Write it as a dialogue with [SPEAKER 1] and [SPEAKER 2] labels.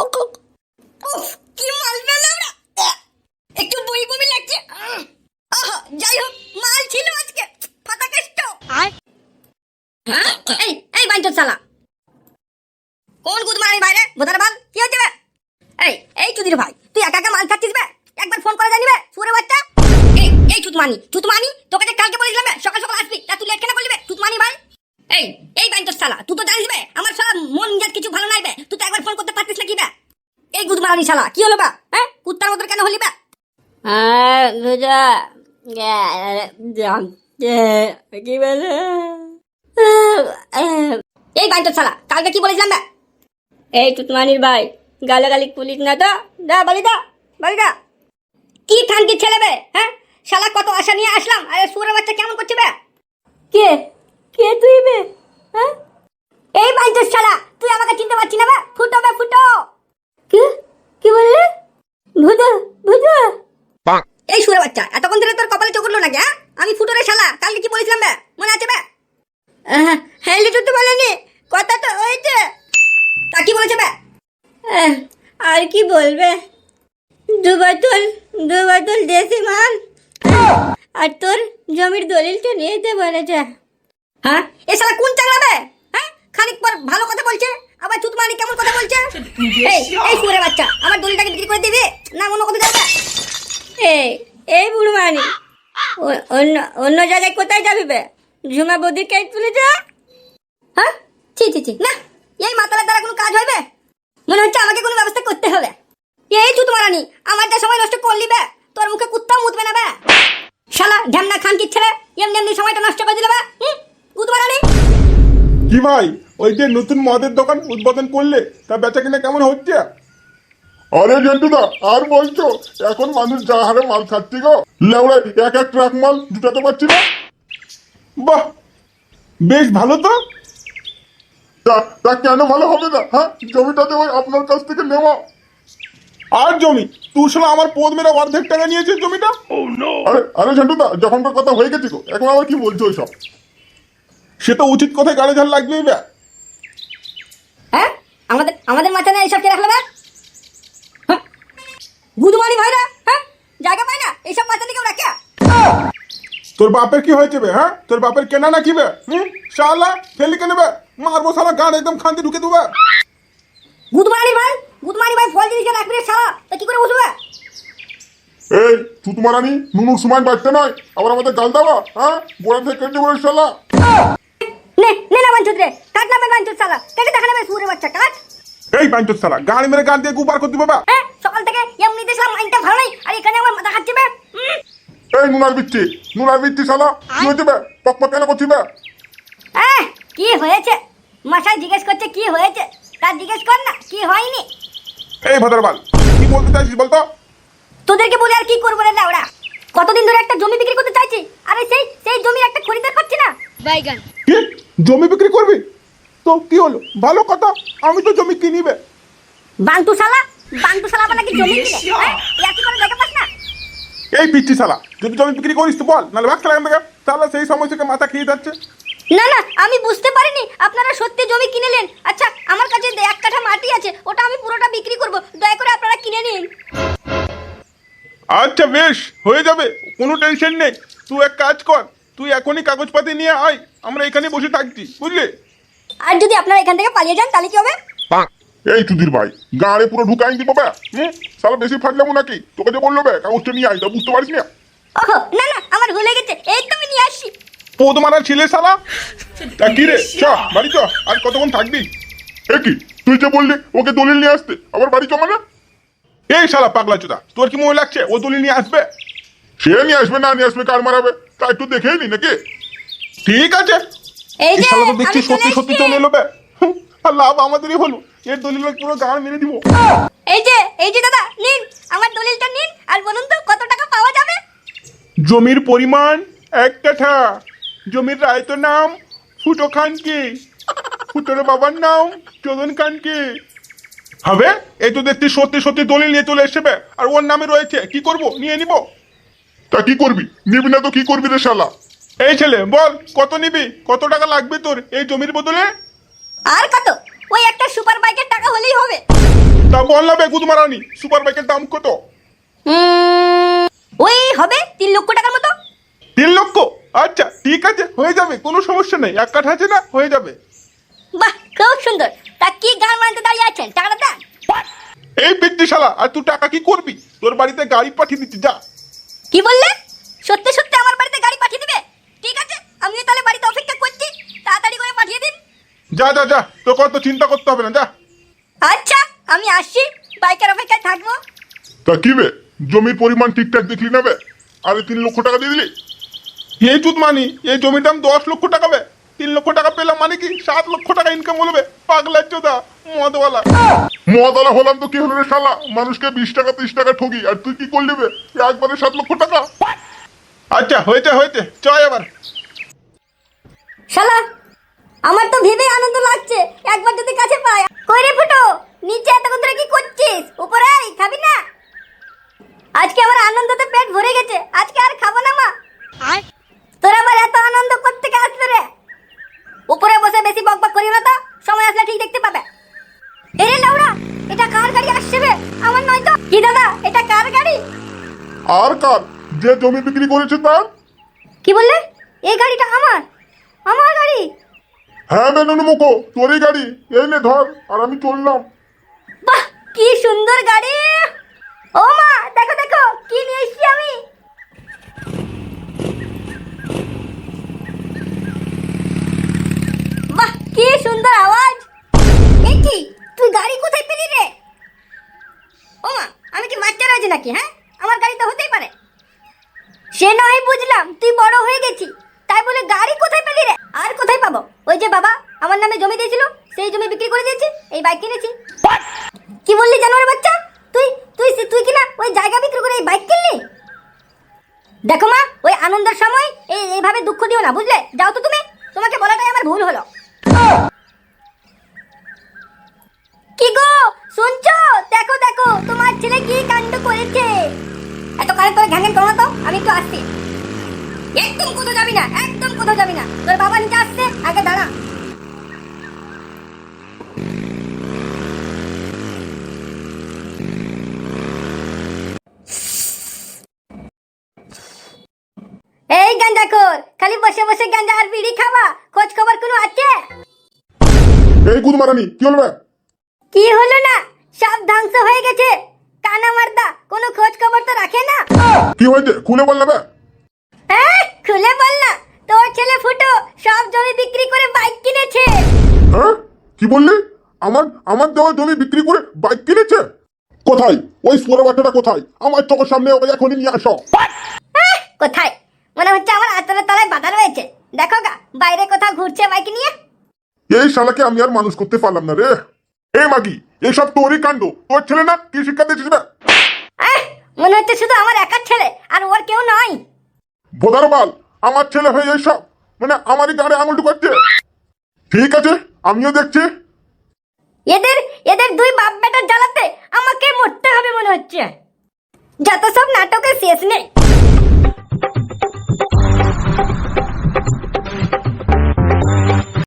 [SPEAKER 1] কি মাল পেলাম না, একটু বই বমি লাগছে। যাই হোক, মাল ছিল আজকে ফাটা কেষ্ট। এই এই বাইঞ্চোদ শালা, কোন গুদমারানি বাইরে বোধার বাল, কি হচ্ছে বে? এই চুদির ভাই, তুই একা একা মাল খাচ্ছিস বে? একবার ফোন করে জানিবে সুরে বাচ্চা। এই চুতমানি তোকে যে কালকে বলেছিলাম বে সকাল সকাল আসবি, তা তুই লেট কেন করলি বে চুতমানি ভাই? এই বাইঞ্চোদ শালা, তুই তো জানিস বে আমার শালা মন মেজাজ কিছু ভালো নাই বে, তুই তো একবার ফোন করতে পারতিস না কি বে? এই গুদমারানি শালা, কি হলো বা? কুত্তার মতো কেন হলি বে? কি বলে? এই বাইঞ্চোদ শালা, কালকে কি বলেছিলাম বে? এই চুতমানির ভাই, গালাগালি পুলিশ না তো, দা বলি দা কি খানকি ছেলে বে? শালা কত আশা নিয়ে আসলাম, আরে সুরের বাচ্চা কেমন করছে বে? কে তুই বে? এই বাইঞ্চোদ শালা, তুই আমাকে চিনতে পারছি না বে? ফুটো বে ফুটো। কি বললে? ভুজা এই সুরের বাচ্চা, এতক্ষণ ধরে তোর কপালে চোখ উঠলো নাকি? আমি ফুটো রে শালা, কালকে কি বলেছিলাম বে, মনে আছে বে? হ্যাঁ লিটু তো বলেনি, কথা তো হয়েছে। তা কি বলেছে বে? আর কি বলবে, দু বোতল দেশি মাল আর তোর জমির দলিলটা নিয়ে যেতে বলেছে। এ শালা কোন চাংলা বে? খানিক পর ভালো কথা বলছে, আবার চুতমানি কেমন কথা বলছে। এই সুরে বাচ্চা, আমার দলিলটাকে বিক্রি করে দিবি না অন্য কথা যাবে? এই বুড়ো মানি, অন্য জায়গায় কোথায় যাবি বে? ঝুমা বৌদির কেক তুলে যা। ছি না, এই মাতালের দ্বারা কোনো কাজ হবে? মনে হচ্ছে আমাকে কোনো ব্যবস্থা করতে হবে। এই চুতমারানি, আমার যা সময় নষ্ট করলি বে, তোর মুখে কুত্তাও মুতবে না বে। শালা ঢ্যামনা খান কি ছেলে, এমনি সময়টা নষ্ট করে দিলে বে। চুতমারানি
[SPEAKER 2] কি ভাই, ওই যে নতুন মদের দোকান উদ্বোধন করলে, তা বেচা কিনা কেমন হচ্ছে?
[SPEAKER 3] আরে জন্টুদা, আর বলছো? এখন মানুষ যা হারে মাল খাচ্ছি গো, লেওড়ায় এক ট্রাক মাল জুটাতে পারছি না।
[SPEAKER 2] বাহ, বেশ ভালো তো।
[SPEAKER 3] তা কেন ভালো হবে না? জমিটাতে ওই আপনার কাছ থেকে নেওয়া।
[SPEAKER 2] আর জমি তুই শালা আমার পদ মেরে অর্ধেক টাকা নিয়েছে জমিটা।
[SPEAKER 3] আরে ঝন্টুদা, যখনকার কথা হয়ে গেছি গো, এখন আবার কি বলছো ওইসব?
[SPEAKER 2] সে তো উচিত কথায় গাড়ি ঝাল লাগবেই বে।
[SPEAKER 1] আমাদের মাথায় এইসব কে রাখলো বে? গুদমানি ভাইরা জায়গা পায় না, এইসব মাথায় কেউ রাখে?
[SPEAKER 2] তোর বাপের কি হয়েছে বে? তোর বাপের কেনা নাকি বে? শালা ফেলি কেন বে? মারবো শালা, গান একদম খান্তি ঢুকে দেবে।
[SPEAKER 1] গুদমানি ভাই ফল জিনিস রাখবি রে শালা, তা কি করে বসবে?
[SPEAKER 3] এই চুতমারানি, নুনুর সময় বাড়তে নয়, আবার আমাদের গাল দেওয়া। গোড়া থেকে কেটে বলে শালা।
[SPEAKER 1] নে না বাঞ্চুত রে, কাট না বে বাঞ্চুত শালা, কেটে দেখা নেবে সুরে বাচ্চা, কাট।
[SPEAKER 2] এই বাইঞ্চোদ শালা, গাড়ি মেরে গান দিয়ে গুবার করতে বাবা।
[SPEAKER 1] সকাল থেকে এমনি দেখলাম মাইন্ডটা ভালো নাই, আর এখানে আমার মাথা খাচ্ছে বে।
[SPEAKER 3] এই নুনার বিচ্ছি শালা, কি হয়েছে বে? পক কেন করছি বে?
[SPEAKER 1] কি হয়েছে? মশাই জিজ্ঞেস করছে কি হয়েছে, তার জিজ্ঞেস কর না কি হয়নি।
[SPEAKER 2] এই ভদ্রবাল, কি বলতে চাইছিস বলতো?
[SPEAKER 1] তোদেরকে বলে আর কি করবো রে লাউড়া, কতদিন ধরে একটা জমি বিক্রি করতে চাইছি, আরে সেই জমির একটা খরিদার পাচ্ছি না। বাইগান
[SPEAKER 2] কি জমি বিক্রি করবি? তো কি হলো, ভালো কথা, আমি তো জমি কিনিবে।
[SPEAKER 1] বাংটু শালা আবার নাকি জমি কিনে, ইয়াকি করে দেখে পাস না?
[SPEAKER 2] এই পিচ্ছি শালা, যদি জমি বিক্রি করিস তো বল, নাহলে ভাগ খেলা থেকে। তাহলে সেই সময় থেকে মাথা খেয়ে যাচ্ছে।
[SPEAKER 1] না আমি বুঝতে পারিনি আপনারা সত্যি জমি কিনেলেন। আচ্ছা, আমার কাছে 1 কাঠা মাটি আছে, ওটা আমি পুরোটা বিক্রি করব, দয়া করে আপনারা কিনে নিন।
[SPEAKER 2] আচ্ছা বেশ, হয়ে যাবে, কোনো টেনশন নেই। তুই এক কাজ কর, তুই এখনই কাগজপাতি নিয়ে আয়, আমরা এখানে বসে থাকছি, বুঝলি?
[SPEAKER 1] আর যদি আপনারা এখান থেকে পালিয়ে যান তাহলে কি হবে?
[SPEAKER 3] এই চুদির ভাই, গাড়ি পুরো ঢুকাই দিব বে। শালা বেশি ফাটলাম নাকি? তোকে যে বললো বে কাগজটা নিয়ে আয়, তা বুঝতে পারিস না?
[SPEAKER 1] ওহো না আমার ভুলে গেছে, এই তো আমি নিয়ে আসছি।
[SPEAKER 2] পদ মারার ছেলে শালা। তা কি রে, চ বাড়ি চ, আর কতক্ষণ থাকবি?
[SPEAKER 3] এ কি, তুই যে বললি ওকে দলিল নিয়ে আসতে, আবার বাড়ি জমা না?
[SPEAKER 2] এই শালা পাগলা চোদা, তোর কি মনে লাগছে ও দলিল নিয়ে আসবে?
[SPEAKER 3] সে নিয়ে আসবে না নিয়ে আসবে, কার মারাবে তা একটু দেখেই নি নাকি?
[SPEAKER 2] ঠিক আছে,
[SPEAKER 1] এই যে
[SPEAKER 2] শালা তো দেখছি
[SPEAKER 1] আমি
[SPEAKER 2] সত্যি
[SPEAKER 1] চলে
[SPEAKER 2] সত্যি
[SPEAKER 1] এসেছি।
[SPEAKER 2] চলে এলো বে। আর লাভ আমাদেরই হলো, এর দলিল পুরো গান মেরে দিব।
[SPEAKER 1] এই যে দাদা নিন, আমার দলিলটা নিন, আর বলুন তো কত টাকা পাওয়া যাবে?
[SPEAKER 2] জমির পরিমাণ 1 কাঠা, জমির রায়তের নাম ফুটো খানকে, ফুটোর বাবার নাম চোদন খানকে। হবে, এই তো দেখছি সত্যি দলিল নিয়ে চলে এসেছে বে, আর ওর নামে রয়েছে, কি করব, নিয়ে নিব।
[SPEAKER 3] তা কি করবি? নিবি না তো কি করবি রে শালা?
[SPEAKER 2] এই ছেলে বল, কত নিবি, কত টাকা লাগবে তোর এই জমির বদলে?
[SPEAKER 1] আর কত, ওই একটা সুপার বাইকের টাকা হলেই হবে।
[SPEAKER 2] তা বল না বে গুদমারানি, সুপার বাইকের দাম কত?
[SPEAKER 1] ওই হবে 3 লক্ষ টাকার মতো।
[SPEAKER 2] 3 লক্ষ? আচ্ছা ঠিক আছে, হয়ে যাবে, কোনো সমস্যা নেই। 1 কাঠা আছে না, হয়ে যাবে।
[SPEAKER 1] বাহ, খুব সুন্দর। তা কি গান মানতে দাঁড়িয়ে আছেন, টাকাটা দেন।
[SPEAKER 2] এই পিচ্ছি শালা, আর তুই টাকা কি করবি? তোর বাড়িতে গাড়ি পাঠিয়ে দিচ্ছি, যা।
[SPEAKER 1] কি বললে? সত্যি সত্যি আমার বাড়িতে গাড়ি পাঠিয়ে দিবে? ঠিক আছে, আমিও তাহলে বাড়িতে অপেক্ষা করছি, তাড়াতাড়ি করে পাঠিয়ে দিন।
[SPEAKER 2] যা যা যা, তোকে অত চিন্তা করতে হবে না, যা।
[SPEAKER 1] আচ্ছা, আমি আসছি, বাইকের অপেক্ষায় থাকবো।
[SPEAKER 3] তা কি বে, জমির পরিমাণ ঠিকঠাক দেখলি না বে? আরে 3 লক্ষ টাকা দিয়ে দিলি?
[SPEAKER 2] এই চুদমানি, এই জমির দাম 10 লক্ষ টাকা বে। 3 লক্ষ টাকা পেলাম মানে কি 7 লক্ষ টাকা ইনকাম হলবে? পাগলার চোদা, মদওয়ালা।
[SPEAKER 3] মদালা হলাম তো কি হলো রে শালা? মানুষকে 20 টাকা 30 টাকা ঠকি, আর তুই কি করলি বে? একবারে 7 লক্ষ টাকা?
[SPEAKER 2] আচ্ছা হয়েছে হয়েছে, চয় এবার।
[SPEAKER 1] শালা, আমার তো ভেবে আনন্দ লাগছে, একবার যদি কাছে পাই। কই রে ফুটো, নিচে এতক্ষণ ধরে কি করছিস? উপরে আয়, খাবি না? আজকে আমার আনন্দতে পেট ভরে গেছে, আজকে আর খাবো না মা। তোরা আবার এত আনন্দ করতে কে আসলো রে? উপরে বসে বেশি বকবক করিও না তো, সময় আসলে ঠিক দেখতে পাবে। এরে লাউড়া, এটা কার গাড়ি আসছে বে? আমার নয় তো। কি দাদা, এটা কার গাড়ি?
[SPEAKER 3] আর কার? যে জমি বিক্রি করেছে তার।
[SPEAKER 1] কি বললে? এই গাড়িটা আমার? আমার গাড়ি?
[SPEAKER 3] হ্যাঁ বে নুনুমুখো, তোরই গাড়ি। এই নে ধর, আর আমি চললাম।
[SPEAKER 1] বাহ, কি সুন্দর গাড়ি! ও মা, দেখো দেখো কি নিয়ে এসেছি আমি। বাহ, কি সুন্দর আওয়াজ! এ কি, তুই গাড়ি কোথায় পেলি রে? ও মা, আমি কি বাচ্চা রয়েছে নাকি? হ্যাঁ, আমার গাড়ি তো হতেই পারে। সে নয় বুঝলাম, তুই বড় হয়ে গেছি, তাই বলে গাড়ি কোথায় পেলি রে? আর কোথায় পাবো? ওই যে বাবা আমার নামে জমি দিয়েছিল, সেই জমি বিক্রি করে দিয়েছি, এই বাইক কিনেছি। কি বললি জানোয়ার বাচ্চা? তুই তুই তুই কি না ওই জায়গা বিক্রি করে এই বাইক কিনলি? দেখো মা, ওই আনন্দের সময় এইভাবে দুঃখ দিও না, বুঝলে? যাও তো তুমি, তোমাকে বলাটাই আমার ভুল হলো। কি গো, শুনছো? দেখো দেখো তোমার ছেলে কি কাণ্ড করেছে। এত কারে করে ঘ্যাঙ্গেন করো না তো, আমি একটু আসছি। একদম কোথাও যাবি না, একদম কোথাও যাবি না। তোর বাবা নিচে আসছে, আগে দাঁড়া। এই গাঁজাখোর, খালি বসে বসে গাঁজা আর বিড়ি খাওয়া, খোঁজ খবর কোনো আছে?
[SPEAKER 3] এই গুদমারানি, কি হলো বে?
[SPEAKER 1] কি হলো না? সব ধ্বংস হয়ে গেছে। কানা মারদা কোনো খোঁজ খবর তো রাখে না।
[SPEAKER 3] কি হয়েছে খুলে বল না বে?
[SPEAKER 1] হ্যাঁ, খুলে বল না। তোর ছেলে ফুটো সব জমি বিক্রি করে বাইক কিনেছে।
[SPEAKER 3] হ্যাঁ, কি বললি? আমার আমার দেওয়া জমি বিক্রি করে বাইক কিনেছে? কোথায়? ওই সোনা বাচ্চাটা কোথায়? আমার চোখের সামনে ওকে এখনই নিয়ে আসো।
[SPEAKER 1] কোথায়? মনে হচ্ছে আমার আতরের তলায় বাধা রয়েছে। দেখো গা, বাইরে কোথাও ঘুরছে বাইক নিয়ে।
[SPEAKER 3] এই শালাকে আমি আর মানুষ করতে পারলাম না রে। এই মাগি, এইসব তোরই কাণ্ড। তোর ছেলে না, কি শিক্ষা দিয়েছিস বে?
[SPEAKER 1] মনে হচ্ছে শুধু আমার একার ছেলে, আর ওর কেউ নয়।
[SPEAKER 3] বোধার বাল, আমার ছেলে হয়ে এইসব মানে আমারই গাড়ি আঙুল ঢুকাচ্ছে। ঠিক আছে, আমিও দেখছি।
[SPEAKER 1] এদের এদের দুই বাপ বেটার জ্বালাতে আমাকে মরতে হবে মনে হচ্ছে। যত সব নাটকের শেষ নেই।